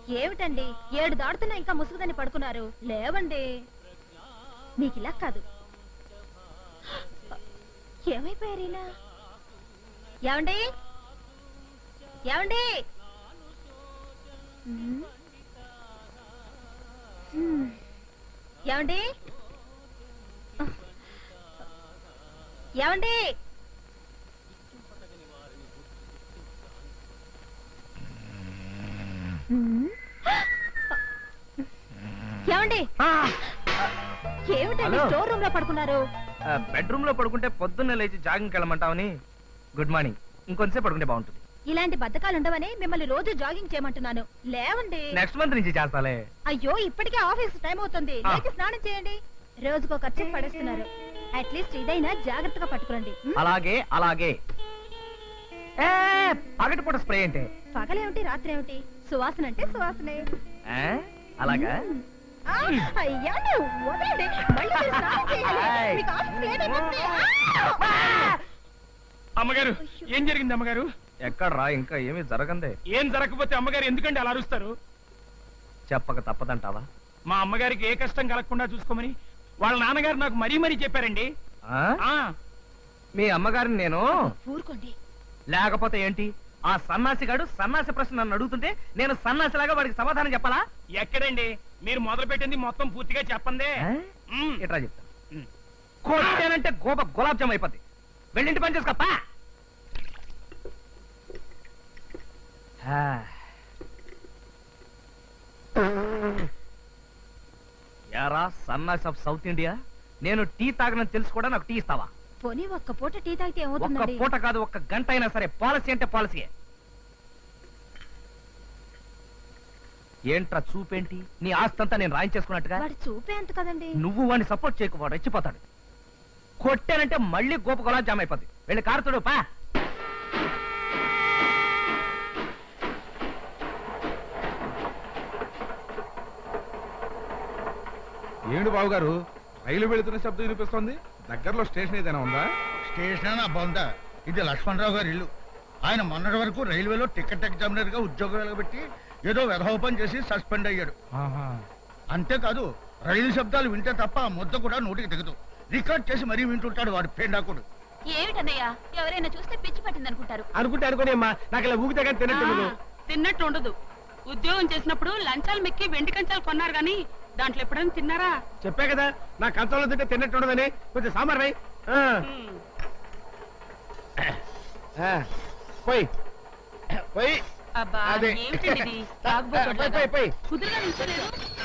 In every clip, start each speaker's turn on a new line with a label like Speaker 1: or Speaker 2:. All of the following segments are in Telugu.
Speaker 1: ఏమిటండి 7 దాడుతున్నా ఇంకా ముసుగుదని పడుకున్నారు? లేవండి. మీకు ఇలా కాదు. ఏమైపోయారు ఇలా? ఏమండి ఏమండి? ఏమండి ఏమండి? ఏమండి ఏమిటండి స్టోర్ రూమ్ లో పడుకున్నారు?
Speaker 2: బెడ్రూమ్ లో పడుకుంటే పొద్దున్నే లేచి జాగింగ్ వెళ్ళమంటావని. Good morning. ఇంకొంచెం పడుకుంటే బాగుంటుంది.
Speaker 1: ఇలాంటి బద్ధకాలు ఉండవని మిమ్మల్ని రోజు జాగింగ్ చేయమంటున్నాను. లేవండి.
Speaker 2: నెక్స్ట్ మంత్ నుంచి చేస్తాలే.
Speaker 1: అయ్యో ఇప్పటికే ఆఫీస్ టైం అవుతుంది. లేచి స్నానం చేయండి. రోజుకో ఖర్చు పడేస్తున్నారు. అట్లీస్ట్ ఇదైనా జాగ్రత్తగా పట్టుకురండి.
Speaker 2: అలాగే అలాగే. పగటిపూట స్ప్రే అంటే
Speaker 1: పగలేమిటి రాత్రి ఏమిటి? సువాసన అంటే సువాసనే.
Speaker 2: అలాగా?
Speaker 1: అయ్యా వదలండి. మళ్ళీ మీరు స్నానం చేయాలి. మీకు ఆఫీస్ లేట్ అయిపోతుంది.
Speaker 3: అమ్మగారు ఏం జరిగింది అమ్మగారు?
Speaker 2: ఎక్కడ్రా? ఇంకా ఏమీ జరగందే.
Speaker 3: ఏం జరగకపోతే అమ్మగారు ఎందుకంటే అలా అరుస్తారు?
Speaker 2: చెప్పక తప్పదంటావా?
Speaker 3: మా అమ్మగారికి ఏ కష్టం కలగకుండా చూసుకోమని వాళ్ళ నాన్నగారు నాకు మరీ మరీ చెప్పారండి.
Speaker 2: మీ అమ్మగారిని నేను
Speaker 1: ఊరుకోండి.
Speaker 2: లేకపోతే ఏంటి? ఆ సన్నాసిగాడు సన్నాసి ప్రశ్న నన్ను అడుగుతుంటే నేను సన్నాసిలాగా వాడికి సమాధానం చెప్పాలా?
Speaker 3: ఎక్కడండి మీరు మొదలు పెట్టింది మొత్తం పూర్తిగా చెప్పందే.
Speaker 2: ఎట్లా చెప్తా? కొట్టానంటే గులాబ్ జామ్ అయిపోద్ది. వెళ్ళింటి పని చేసుకోపా. యారా సన్నాసి ఆఫ్ సౌత్ ఇండియా, నేను టీ తాగనని తెలుసు కూడా నాకు టీ ఇస్తావా?
Speaker 1: పోనీ ఒక్క పూట టీ తాగితే ఏమవుతుంది?
Speaker 2: ఒక్క పూట కాదు, ఒక్క గంట అయినా సరే. పాలసీ అంటే పాలసీయే. ఏంట్రా చూపేంటి? నీ ఆస్తంతా నేను రాయించేసుకున్నట్టుగా.
Speaker 1: వాడు చూపే అంత కదండి.
Speaker 2: నువ్వు వాడిని సపోర్ట్ చేయకు, వాడు రెచ్చిపోతాడు. కొట్టానంటే మళ్ళీ గోప గులాబ్ జామ్ అయిపోద్ది. వెళ్ళి కారుతుడు పా.
Speaker 4: ఏమిటి బాబు గారు, రైలు వెళుతున్న శబ్దం వినిపిస్తోంది? దగ్గరలో స్టేషన్ ఏదైనా ఉందా?
Speaker 5: స్టేషన్ బొంద. ఇది లక్ష్మణరావు గారి ఇల్లు. ఆయన మొన్నటి వరకు రైల్వేలో టికెట్ ఎగ్జామినర్ గా ఉద్యోగం వెలగబెట్టి ఏదో వెధోపం చేసి సస్పెండ్ అయ్యాడు. అంతేకాదు రైలు శబ్దాలు వింటే తప్ప ఆ ముద్ద కూడా నోటికి దిగదు. రికార్డ్ చేసి మరీ వింటుంటాడు వాడు పేండాకుడు.
Speaker 1: ఏమిటన్నయ్యా, ఎవరైనా చూస్తే పిచ్చి పట్టింది అనుకుంటారు.
Speaker 3: అనుకోని అమ్మా, నాకు ఇలా ఊగితే కానీ
Speaker 6: తిన్నట్టు ఉండదు. ఉద్యోగం చేసినప్పుడు లంచాలు మెక్కి వెండి కంచాలు కొన్నారు గాని దాంట్లో ఎప్పుడైనా తిన్నారా?
Speaker 3: చెప్పా కదా నా కంచంలో తింటే తిన్నట్టు ఉండదని. కొంచెం సాంబార్ రై. పోయి పోయి.
Speaker 6: అబ్బా
Speaker 3: అదే.
Speaker 6: ఏమిటండి ఇది?
Speaker 3: పోయి
Speaker 6: కుదురుగా నిల్చోలేదు.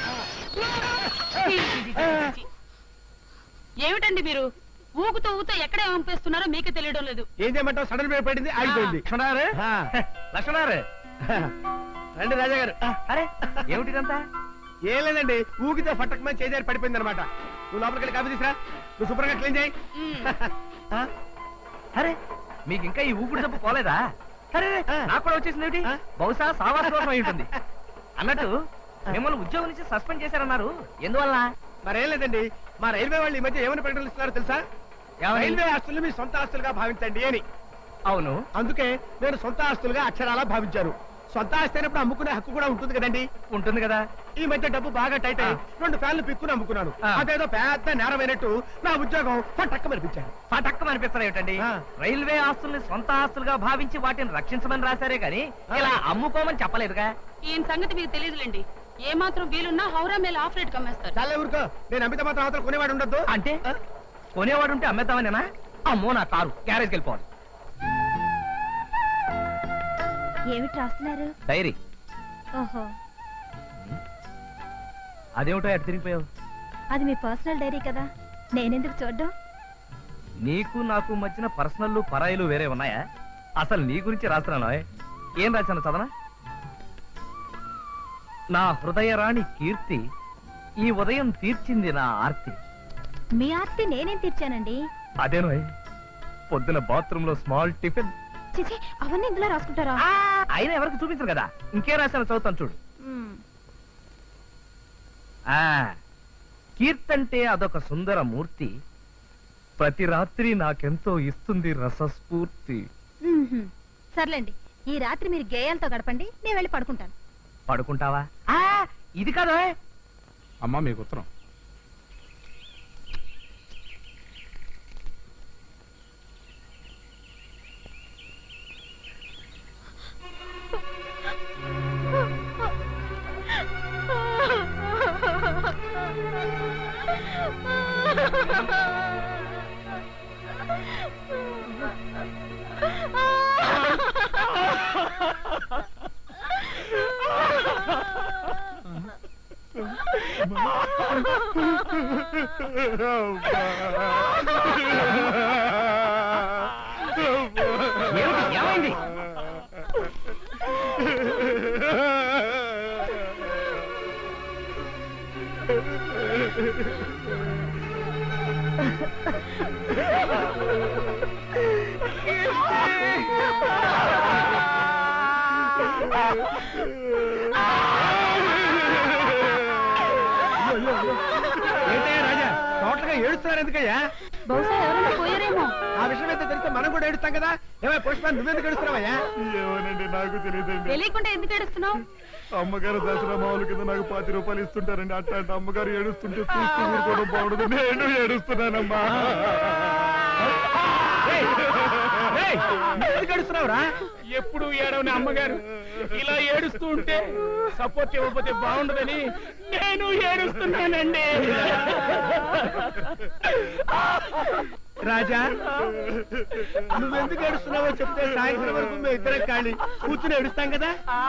Speaker 6: ఏమిటండి మీరు ఊగుతూ ఊగుతూ ఎక్కడ పంపిస్తున్నారో మీకే తెలియడం లేదు.
Speaker 3: ఏం చేయమంటావు? సడన్ బ్రేక్ పడింది, ఆగిపోయింది.
Speaker 2: లక్ష్మణారు, లక్ష్మణారు
Speaker 3: రండి రాజా గారు.
Speaker 2: అరే ఏమిటిదంతా?
Speaker 3: ఏం లేదండి, ఊగితే ఫట్టకమని చేజారి పడిపోయింది అనమాట. నువ్వు లోపలికి వెళ్ళి కాఫీ తీసురా. నువ్వు శుభ్రంగా క్లీన్ చేయి.
Speaker 2: అరే మీకు ఇంకా ఈ ఊపిరి జబ్బు పోలేదా? అరే నాకు కూడా వచ్చేసింది ఏమిటి? బహుశా సావాస దోషం అయి ఉంటుంది. అన్నట్టు మిమ్మల్ని ఉద్యోగం నుంచి సస్పెండ్ చేశారన్నారు, ఎందువల్ల?
Speaker 3: మరేం లేదండి, మా రైల్వే వాళ్ళు ఈ మధ్య ఏమని ప్రకటనలు ఇస్తున్నారో తెలుసా? రైల్వే ఆస్తులు మీ సొంత ఆస్తులుగా భావించండి అని.
Speaker 2: అవును,
Speaker 3: అందుకే నేను సొంత ఆస్తులుగా అక్షరాలా భావించారు. సొంత ఆస్తి అయినప్పుడు అమ్ముకునే హక్కు కూడా ఉంటుంది కదండి.
Speaker 2: ఉంటుంది కదా.
Speaker 3: ఈ మధ్య డబ్బు బాగా టైట్ అయ్యి 2 ఫ్యాన్లు పిక్కుని అమ్ముకున్నాను. అదేదో పెద్ద నేరమైనట్టు నా ఉద్యోగం పట్టక్కమనిపించాను.
Speaker 2: పట్టక్కమనిపిస్తారు ఏమిటండి? రైల్వే ఆస్తుల్ని సొంత ఆస్తులుగా భావించి వాటిని రక్షించమని రాశారే గాని ఇలా అమ్ముకోమని చెప్పలేదుగా.
Speaker 6: ఈయన సంగతి మీకు తెలియదులేండి. ఏ మాత్రం వీలున్నా హౌరా మేల ఆఫ్ రేట్ కమ్మేస్తారు.
Speaker 3: చాలా ఊరుకో, నేను అమిత మాత్రం అవతల కొనేవాడు ఉండద్దు.
Speaker 2: అంటే కొనేవాడు ఉంటే అమ్మేద్దామనేనా? అమ్మో నా కారు, గ్యారేజ్కి వెళ్ళిపోవాలి.
Speaker 1: ఏమిటి రాస్తున్నారు?
Speaker 2: డైరీ.
Speaker 1: ఓహో,
Speaker 2: అదేమిటో ఎటు తిరిగిపోయావు?
Speaker 1: అది మీ పర్సనల్ డైరీ కదా, నేనెందుకు చూడ్డం?
Speaker 2: నీకు నాకు మధ్యన పర్సనల్ పరాయిలు వేరే ఉన్నాయా? అసలు నీ గురించి రాస్తున్నాను. ఏం రాశాను చదవనా? నా హృదయరాణి కీర్తి ఈ ఉదయం తీర్చింది నా ఆర్తి.
Speaker 1: మీ ఆర్తి నేనేం తీర్చానండి?
Speaker 2: అదేనో పొద్దున బాత్రూమ్ లో స్మాల్ టిఫిన్.
Speaker 1: చిచి, అవన్నీ ఇందులో రాసుకుంటారా?
Speaker 2: అయినా ఎవరికి చూపించరు కదా, ఇంకే రాశాను చదువుతాను చూడు. కీర్తంటే అదొక సుందర మూర్తి, ప్రతి రాత్రి నాకెంతో ఇస్తుంది రసస్ఫూర్తి.
Speaker 1: సర్లేండి, ఈ రాత్రి మీరు గేయాలతో గడపండి, నేను వెళ్ళి పడుకుంటాను.
Speaker 2: పడుకుంటావా ఇది కాదు
Speaker 4: అమ్మా మీకు ఉత్తరం.
Speaker 2: ఏమైంది?
Speaker 3: ఏంటయ్యా రాజా టోటల్గా ఏడుస్తున్నారు ఎందుకయ్యా?
Speaker 6: బహుశా ఎవరైనా పోయారేమో.
Speaker 3: ఆ విషయం అయితే తెలిస్తే మనం కూడా ఏడుస్తాం కదా. ఏమై పుష్ప నువ్వెందుకు ఏడుస్తున్నావయ్యా?
Speaker 5: ఏమోనండి నాకు తెలియదండి.
Speaker 6: తెలియకుండా ఎందుకు ఏడుస్తున్నావు?
Speaker 5: అమ్మగారు దసరా మామూలు కింద నాకు 10 రూపాయలు ఇస్తుంటారండి. అట్లాంటి అమ్మగారు ఏడుస్తుంటే చూస్తూ ఊరుకోవడం బాగుండదు. నేను ఏడుస్తున్నానమ్మా.
Speaker 3: ఎందుకు ఏడుస్తున్నావురా?
Speaker 7: ఎప్పుడు ఏడవని అమ్మగారు ఇలా ఏడుస్తూ ఉంటే సపోర్ట్ ఇవ్వకపోతే బాగుండదని నేను ఏడుస్తున్నానండి.
Speaker 3: రాజా నువ్వెందుకు ఏడుస్తున్నావో చెప్తే సాయంత్రం వరకు మేము ఇద్దరం ఖాళీ కూర్చుని ఏడుస్తాం కదా.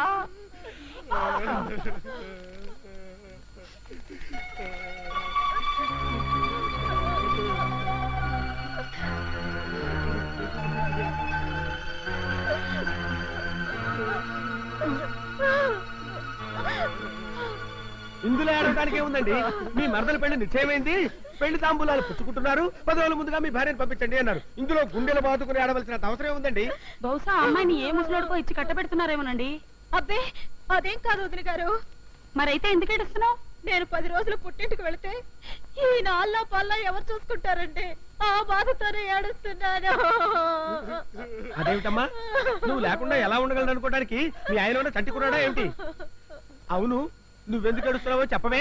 Speaker 3: ఇందులో ఏడవడానికి ఏముందండి? మీ మరదల పెళ్లి నిశ్చయమైంది, పెళ్లి తాంబూలాలు పుచ్చుకుంటున్నారు, 10 రోజుల ముందుగా మీ భార్యను పంపించండి అన్నారు. ఇందులో గుండెలు బాదుకుని ఆడవలసిన అవసరం ఏముందండి?
Speaker 6: బహుశా అమ్మాయిని ఏ ముసలోడుకో ఇచ్చి కట్టబెడుతున్నారేమోనండి.
Speaker 1: అబ్బే అదేం కాదు వదిన గారు.
Speaker 6: మరైతే ఎందుకు ఏడుస్తున్నావు?
Speaker 1: నేను 10 రోజులు పుట్టింటికి వెళితే ఈ నాళ్ళ పల్లా ఎవరు చూసుకుంటారండి? ఆ బాధతోనే ఏడుస్తున్నాను.
Speaker 3: అదేమిటమ్మా నువ్వు లేకుండా ఎలా ఉండగలను అనుకోవడానికి మీ ఆయన చంటి కున్నాడా ఏమిటి? అవును నువ్వెందుకు ఏడుస్తున్నావో చెప్పవే.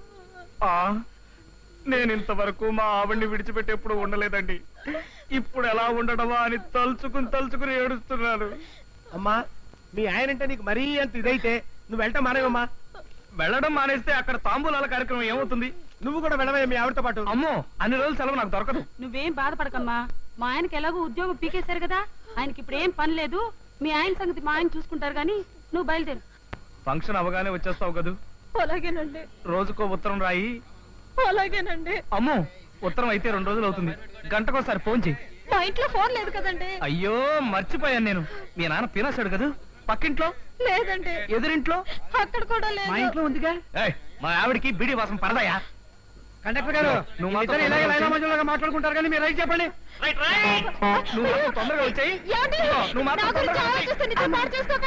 Speaker 7: నేను ఇంతవరకు మా ఆవిడ్ని విడిచిపెట్టి ఎప్పుడు ఉండలేదండి. ఇప్పుడు ఎలా ఉండడమా అని తలుచుకుని ఏడుస్తున్నాను.
Speaker 3: అమ్మా మీ ఆయనంటే నీకు మరీ అంత ఇదైతే నువ్వు వెళ్ళటం మానేవమ్మా.
Speaker 2: వెళ్ళడం మానేస్తే అక్కడ తాంబూలాల కార్యక్రమం ఏమవుతుంది?
Speaker 3: నువ్వు కూడా వెళ్ళవే మీ ఆవిడతో పాటు.
Speaker 2: అమ్మో అన్ని రోజులు సెలవు నాకు దొరకదు.
Speaker 6: నువ్వేం బాధపడకమ్మా. మా ఆయనకి ఎలాగో ఉద్యోగం పీకేశారు కదా, ఆయనకి ఇప్పుడు ఏం పని లేదు. మీ ఆయన సంగతి మా ఆయన చూసుకుంటారు గాని నువ్వు బయలుదేరు.
Speaker 2: ఫంక్షన్ అవగానే వచ్చేస్తావు కదూ?
Speaker 1: అలాగేనండి.
Speaker 2: రోజుకో ఉత్తరం రాయి.
Speaker 1: అలాగేనండి.
Speaker 2: అమ్మో ఉత్తరం అయితే 2 రోజులు అవుతుంది. గంటకోసారి ఫోన్ చెయ్యి.
Speaker 1: మా ఇంట్లో ఫోన్ లేదు కదండి.
Speaker 2: అయ్యో మర్చిపోయాను నేను. మీ నాన్న పీనాశాడు కదా. పక్కింట్లో
Speaker 1: లేదండి.
Speaker 2: ఎదురింట్లో
Speaker 1: అక్కడ కూడా
Speaker 2: మా
Speaker 1: లేదు.
Speaker 2: ఇంట్లో ఉందిగా. మా ఆవిడికి బీడి వాసన పరదయా?
Speaker 3: కండక్టర్ గారు
Speaker 2: నువ్వు మాతో
Speaker 3: ఇద్దరు ఇలాగే
Speaker 2: తొందరగా
Speaker 3: లైలా
Speaker 2: వచ్చేయ్.
Speaker 3: మధ్యలో మాట్లాడుకుంటారు కానీ మీరు రైట్ చెప్పండి.
Speaker 2: నువ్వు మాతో తొందరగా వచ్చాయి.
Speaker 1: ఏమండి?
Speaker 2: నువ్వు మాతో
Speaker 1: నా గురించి
Speaker 2: తొందరగా వచ్చేయ్.
Speaker 1: ఆలోచిస్తే నిజం పాడు చేసుకోకండి.